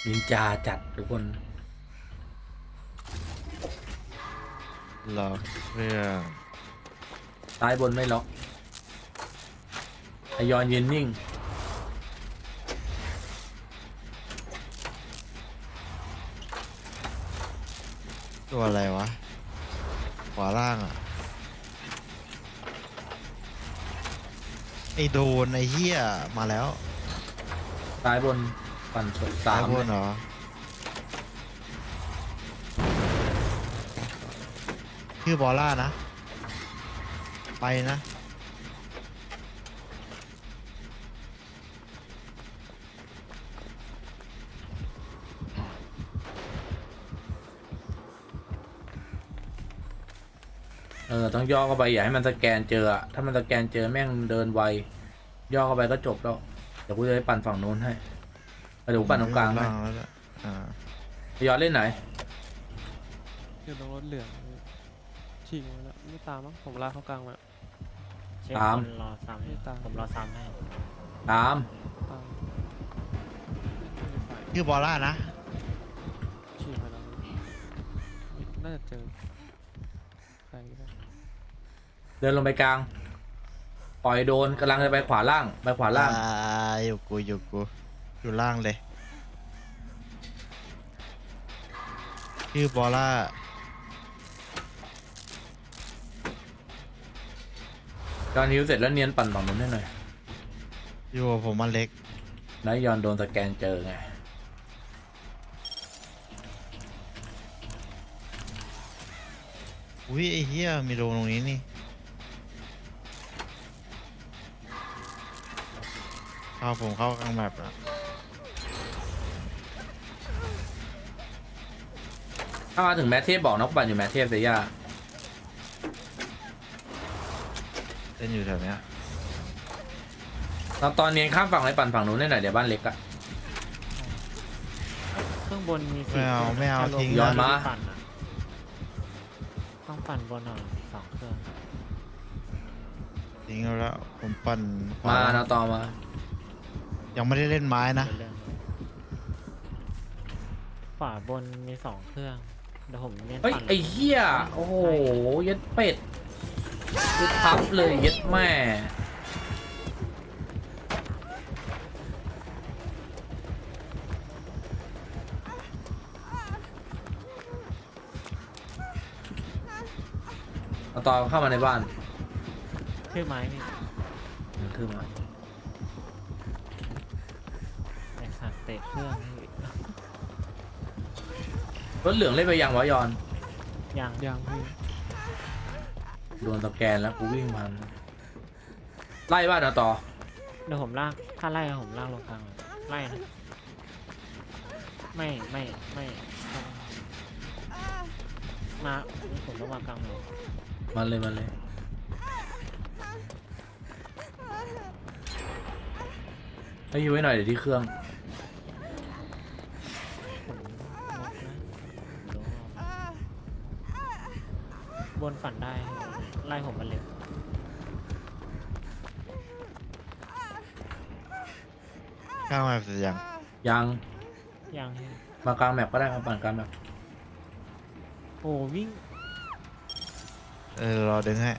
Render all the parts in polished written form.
นินจาจัดทุกคนล็อกเครื่องซ้ายบนไม่ล็อกไอยอนยืนนิ่งตัวอะไรวะขวาล่างอ่ะไอโดนไอเหี้ยมาแล้วซ้ายบนปั่นสดซ้าสาย มบนเหรอชื่อบอลล่านะไปนะต้องย่อเข้าไปอย่าให้มันสแกนเจออะถ้ามันสแกนเจอแม่งเดินไวย่อเข้าไปก็จบแล้วเดี๋ยวกูจะไปปั่นฝั่งโน้นให้เดี๋ยวกูปั่นตรงกลางให้ล่างแล้วล่ะย้อนเล่นไหนอยู่ตรงรถเหลืองฉีกมาแล้วไม่ตามมั้งผมลากเข้ากลางมาเช็คตามคนรอซ้ำให้ผมรอซ้ำให้ตามตามไม่ได้ไฟชื่อบอลล่านะฉีกมาแล้วน่าจะเจอใครก็ได้เดินลงไปกลางปล่อยโดนกำลังจะไปขวาล่างไปขวาล่างอยู่กูอยู่ล่างเลยชื่อบอลล่าตอนนิ้วเสร็จแล้วเนียนปั่นฝั่งโน้นให้หน่อยอยู่กับผมมันเล็กแล้วยอนโดนสแกนเจอไงอุ้ยไอ้เหี้ยมีโดนตรงนี้นี่ผมเข้ากลางแมปแล้วถ้ามาถึงแมทเทพบอกนกปั่นอยู่แมทเทพเสียยาเล่นอยู่แถวเนี้ยตอนเนียนข้ามฝั่งไปปั่นฝั่งนู้นได้หน่อยเดี๋ยวบ้านเล็กอะเครื่องบนมีไม่เอาจะลทิ้งย้อนมาปั่นอะต้องปั่นบนหน่อย2 เครื่องทิ้งแล้วผมปั่นขวมาเอาต่อมายังไม่ได้เล่นไม้นะเรื่องขวาบนมี2 เครื่องเดี๋ยวผมเน้นเฮ้ยปั่นไอ้เหี้ยโอ้โหยัดเป็ดยัดทับเลยยัดแม่เอาต่อเข้ามาในบ้านชื่อไม้นี่ขึ้นมาไอ้สัตว์เตะเครื่องนี่รถเหลืองเล่นไปยังวะยอนยังยังพี่โดนสแกนแล้วกูวิ่งพันไล่บ้านเอาต่อเดี๋ยวผมลากถ้าไล่ผมลากลงกลางเลยไล่นะไม่มาผมต้องมากลางเลยมันเลยให้อยู่ไว้หน่อยเดี๋ยวที่เครื่องผมงกนะรู้บนฝันได้ไล่ผมมาเร็วข้างแมปเสร็จยังยังยังให้มากลางแมปก็ได้มาปั่นกลางแมปโอ้วิ่งรอดึงให้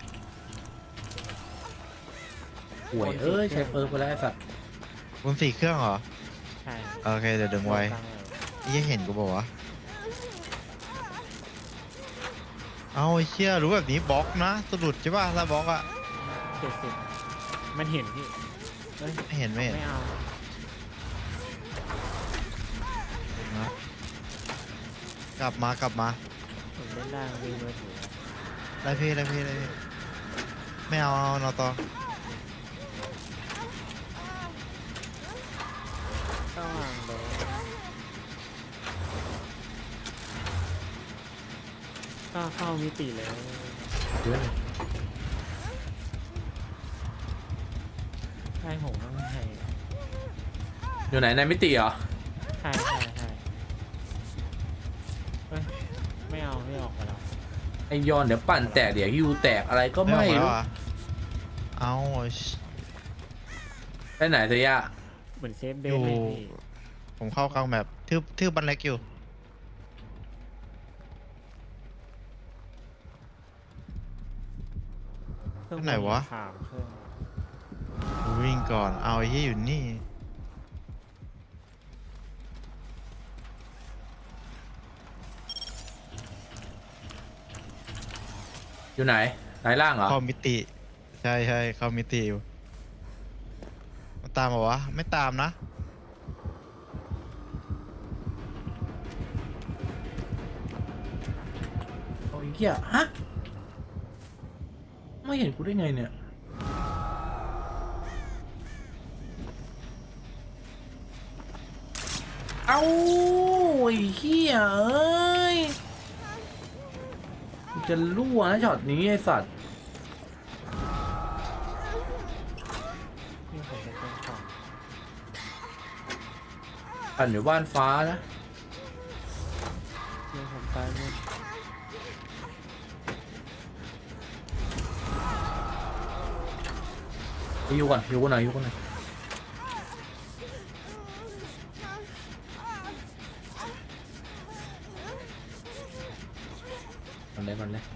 ห่วยเอ้ยใช้เปิร์กไปแล้วไอ้สัตว์บน4 เครื่องเหรอใช่โอเคเดี๋ยวดึงไว้กลางเลยยังเห็นกูบอกว่าเอาไอ้เชี่ยรู้แบบนี้บล็อกนะสะดุดใช่ป่ะถ้าบล็อกอะ 70มันเห็นพี่เอ้ยไม่เห็นไม่เอานะกลับมาผมเล่นได้มีมือถือได้พี่ไม่เอานอต่อก็วางเลยก็เข้ามิติเลยเยอะเลยใช่ผมต้องใช่อยู่ไหนในมิติเหรอใช่เฮ้ยไม่เอาไม่ออกไปแล้วไอยอนเดี๋ยวปั่นแตกเดี๋ยวฮิวแตกอะไรก็ไม่ออกแล้วรู้เหรอเอาไปไหนเสียยาเหมือนเซฟเบอลยู่เลยพี่ผมเข้ากลางแมปทืบบันเล็กอยู่เครื่องไหนวะสามเครื่องวิ่งก่อนเอาไอ้ที่อยู่นี่อยู่ไหนไหนล่างเหรอเข้ามิติใช่เข้ามิติอยู่มาตามมาวะไม่ตามนะโอ้ยเหี้ยฮะไม่เห็นกูได้ไงเนี่ยเอาไอ้เหี้ยเอ้ยกูจะรั่วนะช็อตนี้ไอ้สัตว์นี่ผมจะเป็นของปั่นอยู่บ้านฟ้านะเดี๋ยวผมตายหมดอยู่ก่อนอยู่กันหน่อยอยู่กันหน่อยมันเลย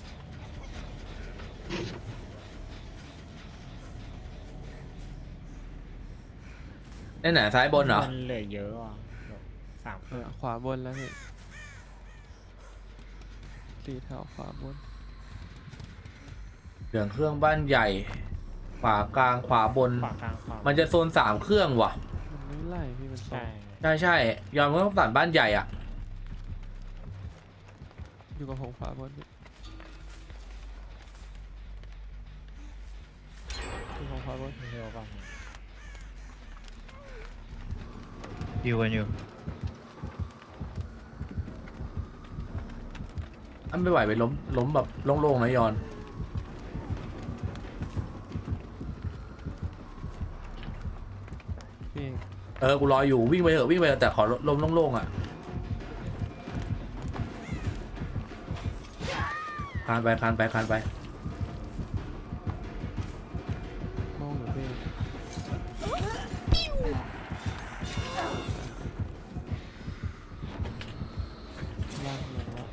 ไหนซ้ายบนเหรอมันเหลือเยอะอ่ะเดี๋ยวสามเครื่องขวาบนแล้วพี่ตีแถวขวาบนเหลืองเครื่องบ้านใหญ่ขวากลางขวาบนขวากลางขวามันจะโซน3 เครื่องว่ะมันไม่ไล่พี่มันสอใช่งใช่ยอมก็ต้องตัดบ้านใหญ่อ่ะอยู่กับผมขวาบนพี่อยู่ของขวาบนเร็วกว่านี้อยู่กันอยู่อันไม่ไหวไปล้มแบบโล่งๆนะยอนพี่กูรออยู่วิ่งไปเถอะแต่ขอล้มโล่งๆอ่ะคานไปมองอยู่พี่ล่างลงแล้ว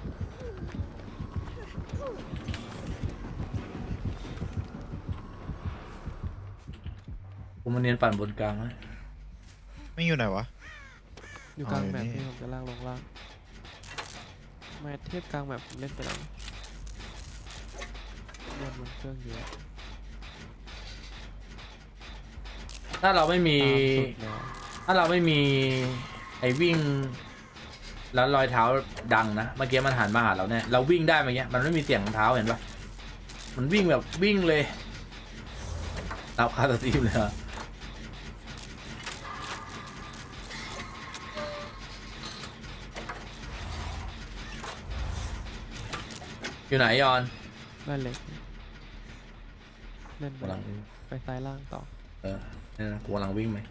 กูมาเนียนปั่นบนกลางนะไม่อยู่ไหนวะอยู่กลางเอาอยู่แมปนี่พี่ผมจะล่างลงล่างแมทเทียบกลางแมปผมเล่นไปแล้วเล่นมันเครื่องเยอะถ้าเราไม่มีตามสุดแล้วถ้าเราไม่มีไอ้วิ่ง แล้วรอยเท้าดังนะเมื่อกี้มันหันมาหาเราเนี่ยเราวิ่งได้เมื่อกี้มันไม่มีเสียงรองเท้าเห็นปะมันวิ่งแบบวิ่งเลยรับคาสตรีมเลยอะอยู่ไหนยอนบ้านเล็กเล่นไปกำลังไปซ้ายล่างต่อเนี่ยนะกูกำลังวิ่งไหม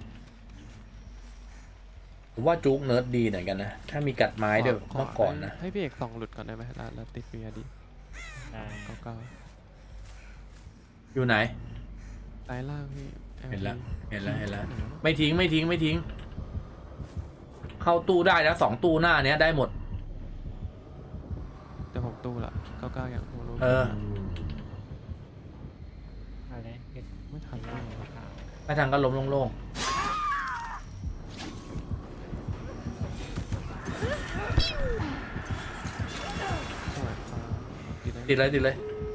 ผมว่าจุกเนิร์ดดีเหมือนกันนะถ้ามีกัดไม้ด้วยขวาเมื่อก่อนนะให้พี่เอกส่องหลุดก่อนได้ไหมแล้วติดปีดีได้เก้าอยู่ไหนซ้ายล่างพี่เห็นแล้ว LG เห็นแล้วเห็นแล้วไม่ทิ้งเข้าตู้ได้นะ2 ตู้หน้าเนี้ยได้หมดเดี๋ยวผมตู้ละเก้าอย่างผมรู้อะไรเก็บไม่ทันล่าล่าง งขาวไม่ทางก็ล้มโล่งสวยฟ้าติดๆติดเลย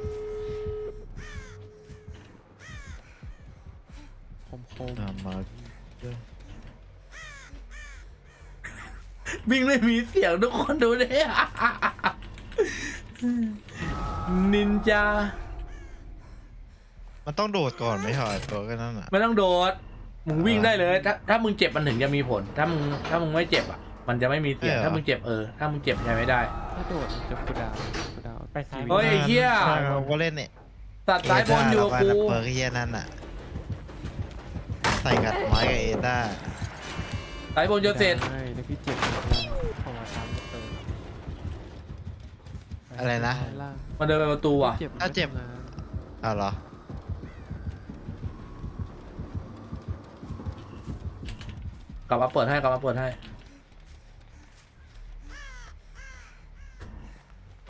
คมตามมาวิ่งเลยมีเสียงทุกคนดูดิ นินจามันต้องโดดก่อนไม่ใช่เหรอตัวก็นั่นอ่ะไม่ต้องโดดมึงวิ่งได้เลยถ้ามึงเจ็บมันถึงจะมีผล ถ้ามึงไม่เจ็บอ่ะมันจะไม่มีเสียงถ้ามึงเจ็บถ้ามึงเจ็บใช้ไม่ได้ถ้าโดดมันจะคูลดาวน์ไปซ้ายเฮ้ยไอ้เหี้ยใช่เราก็เล่นเนี่ยตัดสายบนอยู่กับกูเปิร์กเฮียนั่นอ่ะใส่กัดไม้กับเอต้าสายบนจะเสร็จใช่แล้วพี่เจ็บล่างผมมาซ้ำตัวอะไรนะซ้ายล่างมันเดินไปประตูอ่ะเจ็บถ้าเจ็บไม่ทำงานอ้าวเหรอกลับมาเปิดให้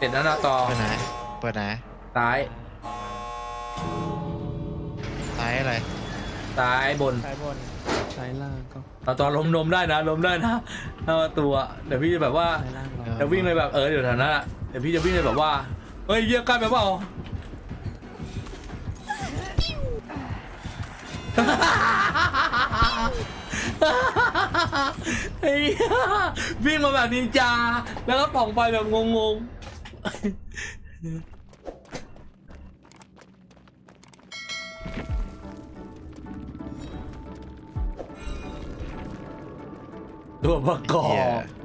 เสร็จแล้วนะต่อเปิดไหนเปิดไหนซ้ายซ้ายอะไรซ้ายบนซ้ายบนซ้ายล่างก็เอาตอนล้มนมได้นะล้มได้นะถ้าตัวเดี๋ยวพี่จะแบบว่าซ้ายล่างเราเดี๋ยววิ่งเลยแบบเดี๋ยวแถวนั้นอะเดี๋ยวพี่จะวิ่งเลยแบบว่าเฮ้ยเยี่ยใกล้ไปเปล่า เฮ้ยวิ่งมาแบบนินจาแล้วก็ป่องไฟแบบงงๆตัวประกอบ